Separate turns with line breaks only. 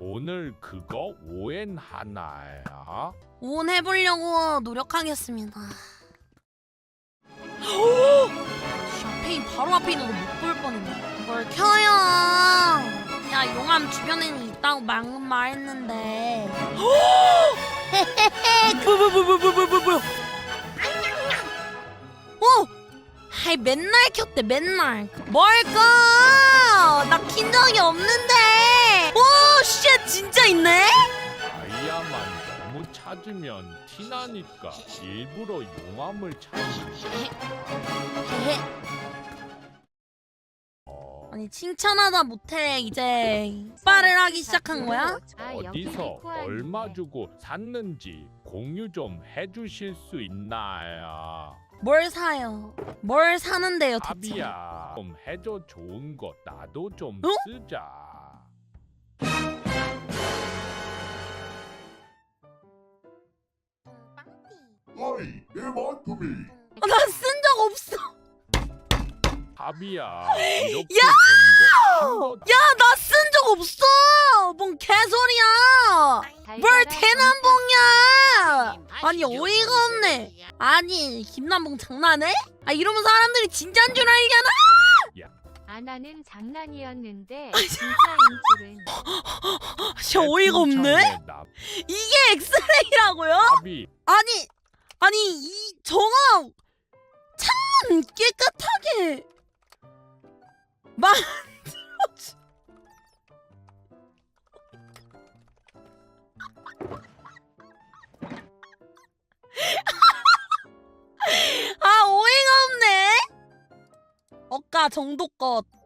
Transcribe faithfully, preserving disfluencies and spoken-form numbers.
오늘 그거 오엔 하나야?
온 해보려고 노력하겠습니다. 샤페인 바로 앞에 있는 거 못 볼 뻔했네. 뭘 켜요? 야, 용암 주변에는 있다고 막 말했는데. 뭐야 뭐야 뭐야 뭐야 뭐야 뭐야? 어? 아이 맨날 켰대 맨날. 뭘 꺼? 나 킨 적이 없는데. 오, 쉣 진짜 있네?
다이아만 너무 찾으면 티나니까 일부러 용암을 찾지. 어,
아니 칭찬하다 못해 이제 빨을 하기 시작한 거야?
어디서 얼마 주고 샀는지 공유 좀 해주실 수 있나요?
뭘 사요? 뭘 사는데요 대체?
아비야, 좀 해줘. 좋은 거 나도 좀
어?
쓰자.
Hi, 이만큼이.
아, 나 쓴 적 없어.
아비야, 이렇게 된거
야, 나 쓴 적 없어. 뭔 개소리야? 뭘 대남봉이야? 아니 어이가 없네. 아니 김남봉 장난해? 아 이러면 사람들이 진짜인 줄 알잖아.
아나는 장난이었는데 진짜인 줄은.
진짜 어이가 없네. 이게 엑스레이라고요?
아비,
아니 아니 이 정아 창문 깨끗하게 만들어주. 아 어이가 없네. 억가 정도껏